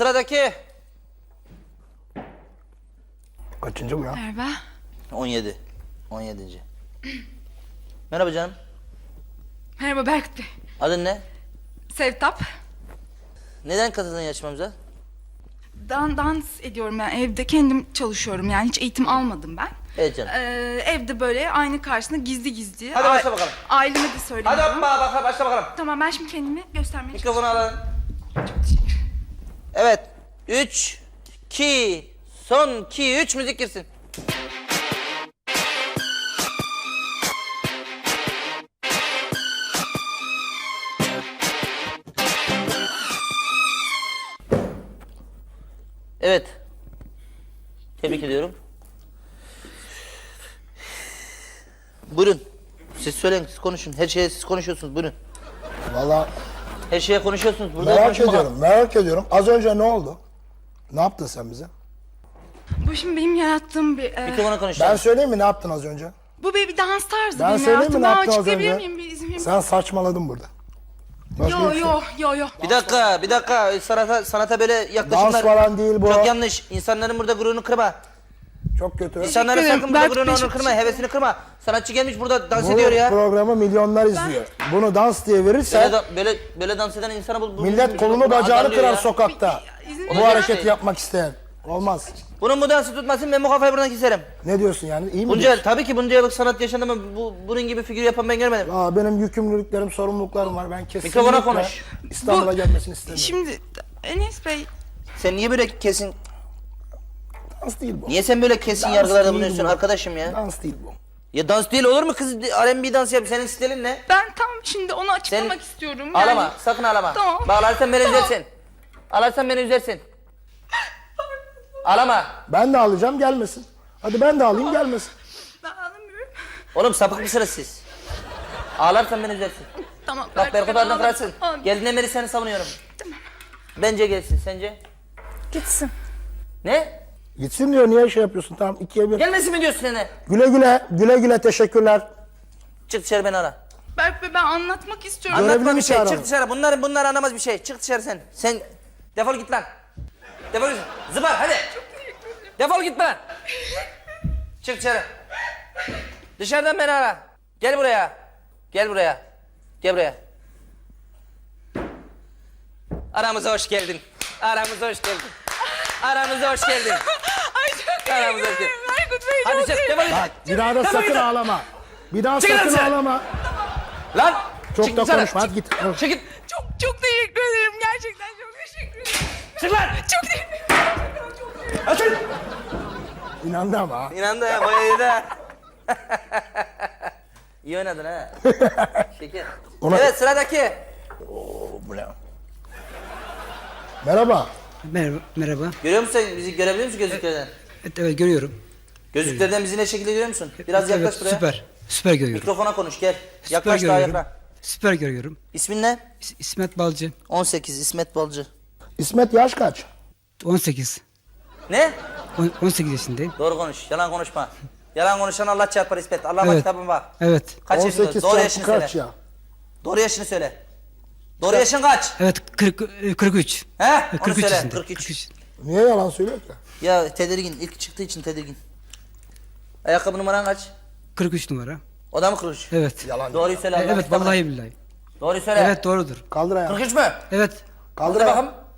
sıradaki. Kaçıncı bu ya? Merhaba. 17. 17. Merhaba canım. Merhaba Berk Bey. Adın ne? Sevtap. Neden katıldın yarışmamıza? Dans ediyorum ben. Evde kendim çalışıyorum. Yani hiç eğitim almadım ben. Evet canım. Evde böyle ayna karşısında gizli gizli. Hadi başla bakalım. Aileme de söylemiyorum. Hadi hoppa başla bakalım. Tamam, ben şimdi kendimi göstermeye Mikrofonu alalım. Evet. 3, 2, son 2, 3 müzik girsin. Evet. Tebrik ediyorum. Buyurun. Siz söyleyin, siz konuşun. Her şeye siz konuşuyorsunuz, buyurun. Vallahi Her şeye konuşuyorsunuz. Burada merak konuşun bakalım. ediyorum, merak ediyorum. Az önce ne oldu? Ne yaptın sen bize? Bu şimdi benim yarattığım bir... Mikrofona konuşalım. Ben söyleyeyim mi ne yaptın az önce? bu bir dans tarzı Ben benim söyleyeyim mi ne yarattığım. yaptın az Açıklayabilir önce? miyim? Bir izin verir misin? Sen saçmaladın burada. Başka Yo hiçbir yo şey. yo yo. Bir dakika. Sanata böyle yaklaşımlar... Dans falan değil bu. Çok yanlış. İnsanların burada gururunu kırma. Çok kötü. İnsanların ederim. sakın burada Berk gururunu Bey, onurunu çok kırma, hevesini kırma. Sanatçı gelmiş burada dans Bu ediyor ya. programı milyonlar izliyor. Bunu dans diye verirsen Böyle dans eden insana bu millet kolunu bacağını azarlıyor kırar ya. sokakta. İzin Bu verin. hareketi yapmak isteyen. Olmaz. Bunun bu dansı tutmasın, ben bu kafayı buradan keserim. Ne diyorsun yani? İyi mi Bunca, diyorsun? tabii ki bunca yıllık sanat yaşandı ama bunun gibi figür yapan ben görmedim. Aa, benim yükümlülüklerim, sorumluluklarım var. Ben kesinlikle Mikrofona konuş. İstanbul'a gelmesini istemiyorum. Şimdi Enes Bey... Sen niye böyle kesin, Dans değil bu. niye sen böyle kesin Dans yargılarda değil bulunuyorsun bu. arkadaşım ya? Dans değil bu. Ya dans değil olur mu kız? R&B dans yap, senin stilin ne? Ben tam şimdi onu açıklamak Sen- istiyorum. Ağlama, sakın ağlama. Tamam. Bağlarsan beni Tamam. üzersin. Ağlarsan beni üzersin. Ağlama. Ben de alacağım gelmesin. Hadi ben de alayım gelmesin. Ben anlamıyorum. Oğlum sapık mısınız siz? Ağlarsan beni üzersin. Tamam. Bak Berkut Arda kırarsın. Tamam. Geldiğinden beri seni savunuyorum. Bence gelsin, sence? Gitsin. Ne? Gitsin diyor, niye şey yapıyorsun? Tamam, 2'ye 1. Gelmesin mi diyorsun seni? Güle güle, güle güle, teşekkürler. Çık dışarı, beni ara. Berk Bey, ben anlatmak istiyorum. Görevli Anlatma mi bir şey, çağıralım? çık dışarı. Bunlar anlamaz bir şey. Çık dışarı sen. Sen defol git lan. Defol git. Zıbar hadi. Defol git lan. Çık dışarı. Dışarıdan beni ara. Gel buraya. Gel buraya. Gel buraya. Aramıza hoş geldin. Aramıza hoş geldin. Aramıza hoş geldin. Ay çok Aramıza hoş teşekkür geldin. ederim. Berkut Bey, Hadi çok çık, teşekkür defol git. Bak, bir daha da Defol sakın git. ağlama. Bir daha Çıkın sakın dışarı. ağlama. Lan. Çok çık da dışarı. konuşma, hadi git. Çık git. Çok teşekkür ederim. Gerçekten çok teşekkür ederim. Çık lan. Çok teşekkür ederim. Açın. İnandı ama ha. İnandı ya, bayağı iyi de. İyi oynadın ha. Şeker. Ona- Evet, sıradaki. Bu ne? Merhaba. Merhaba. Görüyor musun sen? Bizi görebiliyor musun gözlüklerden? Evet görüyorum. Gözlüklerden bizi ne şekilde görüyor musun? Biraz Evet, yaklaş buraya. Süper. Süper görüyorum. Mikrofona konuş, gel. Süper Yaklaş daha görüyorum. yakla. Süper görüyorum. İsmin ne? İsmet Balcı. 18, İsmet Balcı. İsmet yaş kaç? 18. Ne? 18 yaşındayım. Doğru konuş, yalan konuşma. Yalan konuşan Allah çarpar İsmet. Allah'a Evet. kitabın var. Evet. Kaç yaşında? 18 Doğru çarpı yaşını kaç söyle. ya? Doğru yaşını söyle. Doğru yaşın kaç? Evet 43. He? Onu 43 söyle. yaşında. 43. Niye yalan söylüyor ki? Ya tedirgin, ilk çıktığı için tedirgin. Ayakkabı numaran kaç? 43 numara. O da mı 43? Evet. Yalan. Doğruyu söyle. Allah'ın Evet kitabına. vallahi billahi. Doğruyu söyle. Evet doğrudur. Kaldır ayağını. 43 mü? Evet. Kaldır Hadi ayağını. bakalım.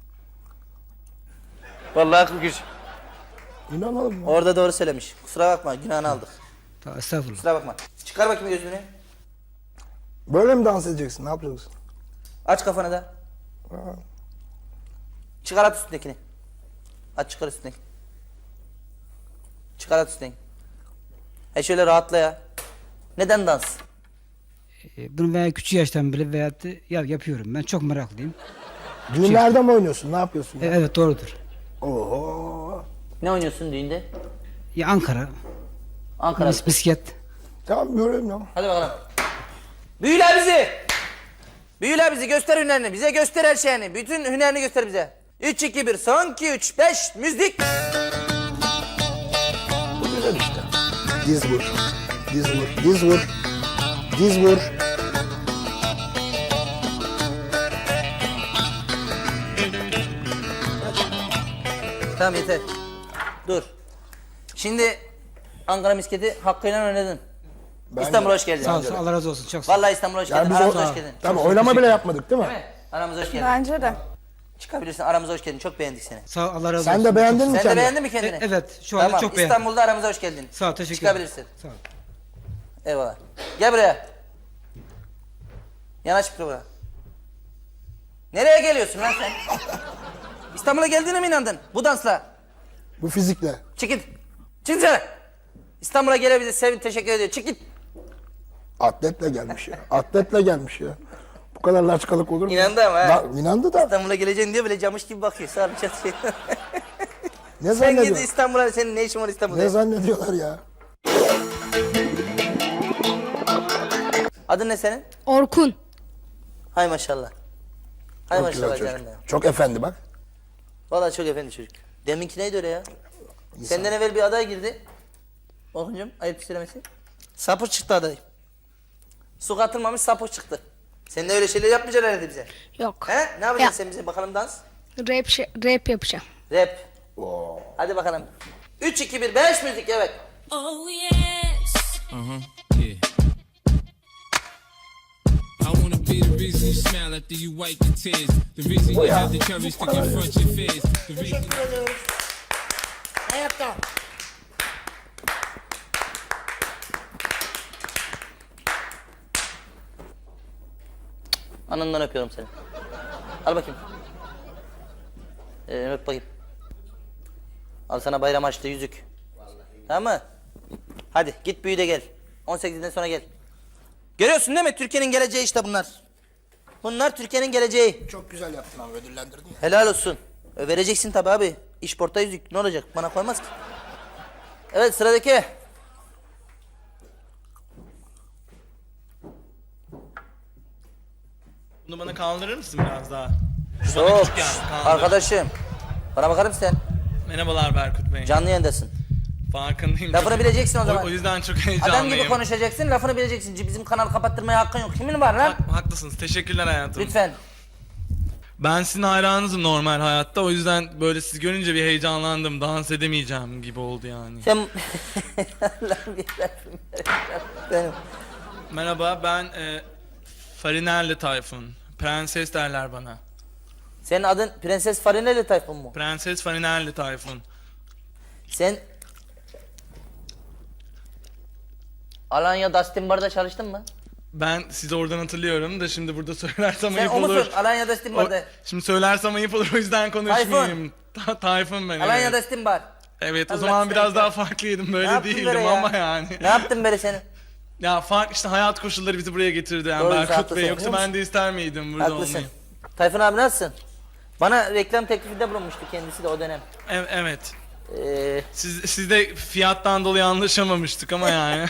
Vallahi 43. İnanalım mı? Orada doğru söylemiş. Kusura bakma, günahını aldık. Estağfurullah. Kusura bakma. Çıkar bakayım gözlüğünü. Böyle mi dans edeceksin? Ne yapacaksın? Aç kafanı da. Çıkar at üstündekini. Aç çıkar üstündekini. Çıkar at üstündekini. Şöyle rahatla ya. Neden dans? Bunu veya küçük yaştan bile veyahut da yapıyorum. Ben çok meraklıyım. Düğünlerde mi oynuyorsun? Ne yapıyorsun? Ya? Evet doğrudur. Oho. Ne oynuyorsun düğünde? Ya Ankara. Ankara. Bisiklet. Tamam göreyim ya. Hadi bakalım. Büyüle bizi. Büyüle bizi, göster hünerini. Bize göster her şeyini. Bütün hünerini göster bize. 3, 2, 1, son 2, 3, 5, müzik. Bu güzel işte. Diz vur. Diz vur. Diz vur. Diz vur. Tamam yeter. Dur. Şimdi Ankara misketi hakkıyla oynadın. İstanbul'a hoş geldin. Sağ olsun, Allah razı olsun. Çok sağ ol. Vallahi İstanbul'a hoş Yani geldin. biz Aramıza hoş geldin. Tabii oylama bile yapmadık değil mi? Değil mi? Aramıza hoş geldin. Bence de. Çıkabilirsin. Aramıza hoş geldin. Çok beğendik seni. Sağ ol, Allah razı olsun. Sen de beğendin mi Sen de kendini? beğendin mi kendini? Evet, şu anda Tamam. çok beğendim. İstanbul'da aramıza hoş geldin. Sağ ol, teşekkür ederim. Çıkabilirsin. Sağ ol. Eyvallah. Gel buraya. Yanaş buraya. Nereye geliyorsun lan sen? İstanbul'a geldiğine mi inandın? Bu dansla. Bu fizikle. Çık git. Çık dışarı. İstanbul'a gelebiliriz. Sevin teşekkür ediyor. Çık git. Atletle gelmiş ya. Atletle gelmiş ya. Bu kadar laçkalık olur mu? İnandı ama ha. İnandı da. İstanbul'a geleceğin diye böyle camış gibi bakıyor. Sağ bir çatı şey. Ne Sen git zannediyor? İstanbul'a. Senin ne işin var İstanbul'da? Ne zannediyorlar ya? Adın ne senin? Orkun. Hay maşallah. Hay Çok güzel maşallah çocuk. canım ya. Çok efendi bak. Vallahi çok efendi çocuk. Deminki neydi öyle ya? Senden evvel bir aday girdi. Orkuncuğum ayıp söylemesi. Sapır çıktı aday. Su katılmamış sapır çıktı. Sen de öyle şeyler yapmayacaksın herhalde bize. Yok. He? Ne yapacaksın Ya. sen bize? Bakalım dans. Rap yapacağım. Rap. Hadi bakalım. 3, 2, 1, 5 müzik evet. Oh yes. Yeah. I wanna be the reason you smile after you wipe your tears. The reason you have the courage to confront your fears. The reason Hayatta. Anından öpüyorum seni. Al bakayım. Öp bakayım. Al sana bayram açtı yüzük. Tamam mı? Hadi git büyü de gel. 18'den sonra gel. Görüyorsun değil mi? Türkiye'nin geleceği işte bunlar. Bunlar Türkiye'nin geleceği. Çok güzel yaptın abi, ödüllendirdin ya. Helal olsun. Vereceksin tabi abi. İşporta yüzük ne olacak? Bana koymaz ki. Evet sıradaki. Bunu bana kaldırır mısın biraz daha? Çok. küçük yani, kaldır. Arkadaşım. Bana bakar mısın sen? Merhabalar Berkut Bey. Canlı yayındasın. Farkındayım. Lafını Çok- bileceksin o zaman. O yüzden çok heyecanlıyım. Adam gibi konuşacaksın, lafını bileceksin. Bizim kanalı kapattırmaya hakkın yok. Kimin var lan? Haklısınız. Teşekkürler hayatım. Lütfen. Ben sizin hayranınızım normal hayatta. O yüzden böyle sizi görünce bir heyecanlandım. Dans edemeyeceğim gibi oldu yani. Sen... Allah'ım yarabbim. Benim. Merhaba ben Farinelli Tayfun. Prenses derler bana. Senin adın Prenses Farinelli Tayfun mu? Prenses Farinelli Tayfun. Sen... Alanya Dustin Bar'da çalıştın mı? Ben sizi oradan hatırlıyorum da şimdi burada söylersem Sen ayıp o olur. musun? Alanya Dustin Bar'da. Şimdi söylersem ayıp olur o yüzden konuşmayayım. Tayfun ben. Alanya evet. Dustin Bar. Evet o Allah zaman seni biraz kahretsin. daha farklıydım Ne böyle yaptın değildim böyle ya? ama yani. Ne yaptın böyle senin? Ya fark işte hayat koşulları bizi buraya getirdi yani Doğru, Berkut haklısın. Bey yoksa ben de ister miydim burada Haklısın. olmayı? Tayfun abi nasılsın? Bana reklam teklifinde bulunmuştu kendisi de o dönem. Evet. Ee, Siz de fiyattan dolayı anlaşamamıştık ama yani.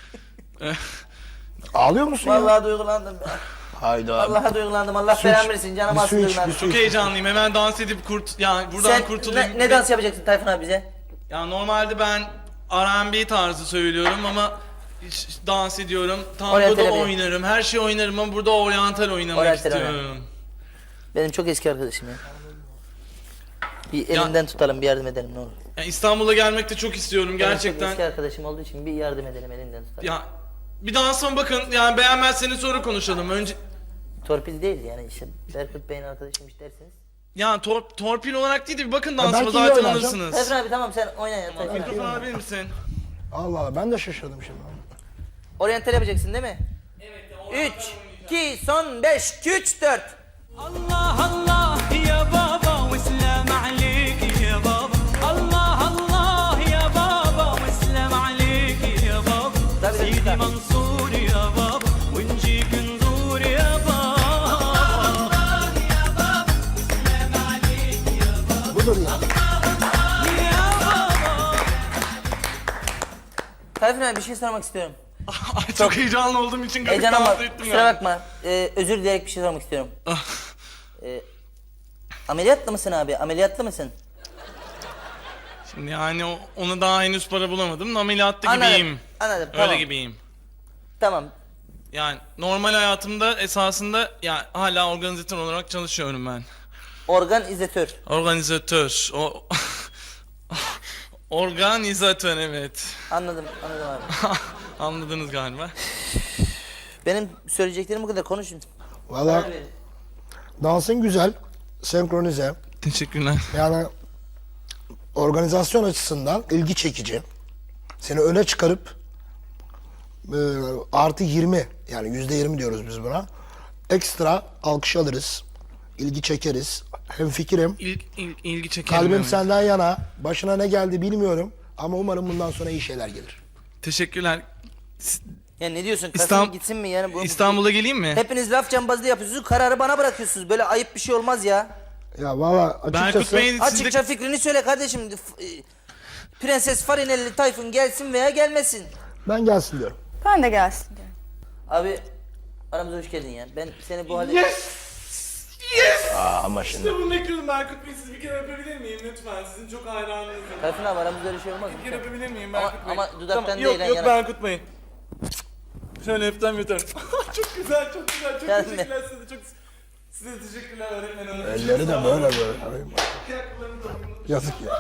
Ağlıyor musun ya? vallahi duygulandım. Hayda. Vallahi duygulandım. Allah belamı versin. Canım Bir su aslında iç, duygulandım. bir su Çok iç. heyecanlıyım hemen dans edip yani buradan Sen kurtulayım. ne dans yapacaksın Tayfun abi bize? Ya normalde ben R&B tarzı söylüyorum ama dans ediyorum. Tango Oryantal da yapıyor. oynarım. Her şey oynarım ama burada oryantal oynamak Oryantal istiyorum. Benim çok eski arkadaşım ya. Bir elinden tutalım, bir yardım edelim ne olur. Ya İstanbul'a gelmek de çok istiyorum Benim çok gerçekten. eski arkadaşım olduğu için bir yardım edelim, elinden tutalım. Ya bir dansıma bakın yani beğenmezseniz sonra konuşalım. Önce Torpil değil yani işte Berkut Bey'in arkadaşıymış dersiniz. ya torpil olarak değil de bir bakın dansıma belki iyi zaten oynayacağım. alırsınız. Tayfun abi tamam sen oyna ya Tayfun abi. Mikrofon alabilir misin? Allah Allah, ben de şaşırdım şimdi. Oryantal yapacaksın değil mi? Evet. 3, 2, son 5, 3, 4. الله الله يا بابا وسلام عليك يا بابا الله الله يا بابا وسلام عليك يا بابا سيدي منصور يا بابا ونجيك نزور يا بابا Budur ya. يا بابا Tayfun abi bir şey sormak istiyorum. Ay çok heyecanlı olduğum için garip Heyecan ama dans ettim kusura ya. bakma. Özür dileyerek bir şey sormak istiyorum. Ah. Ameliyatlı mısın abi? Ameliyatlı mısın? Şimdi yani ona daha henüz para bulamadım da ameliyatta gibiyim. Anladım. Öyle Tamam. gibiyim. Tamam. Yani normal hayatımda esasında ya hala organizatör olarak çalışıyorum ben. Organizatör. Organizatör. O Organizatör, evet. Anladım abi. Anladınız galiba. Benim söyleyeceklerim bu kadar. Konuşun. Valla dansın güzel, senkronize. Teşekkürler. Yani organizasyon açısından ilgi çekici. Seni öne çıkarıp artı 20 yani %20 diyoruz biz buna. Ekstra alkış alırız. İlgi çekeriz. Hemfikirim. İlgi çekerim. Kalbim evet. senden yana. Başına ne geldi bilmiyorum. Ama umarım bundan sonra iyi şeyler gelir. Teşekkürler. Ya ne diyorsun? Kasım İstanbul- gitsin mi yani? İstanbul'a geleyim mi? Hepiniz laf cambazlığı yapıyorsunuz. Kararı bana bırakıyorsunuz. Böyle ayıp bir şey olmaz ya. Ya valla Berkut açıkçası... Bey'in Açıkça fikrini söyle kardeşim. Prenses Farinelli Tayfun gelsin veya gelmesin. Ben gelsin diyorum. Ben de gelsin diyorum. Abi aramıza hoş geldin ya. Ben seni bu halde... Ama şimdi... Bunu ekledim Berkut Bey, siz bir kere öpebilir miyim lütfen? Sizin çok hayranınızım. Tayfun abi aramızda öyle şey olmaz mı? Bir kere öpebilir miyim Ama- Berkut Bey? ama dudaktan Tamam, değil, Yok yana- Berkut Bey. Şöyle öptem yeter. Çok güzel, çok güzel. Çok Gelme. teşekkürler size. Size teşekkürler öğretmen hanım. Elleri de böyle. Yazık ya.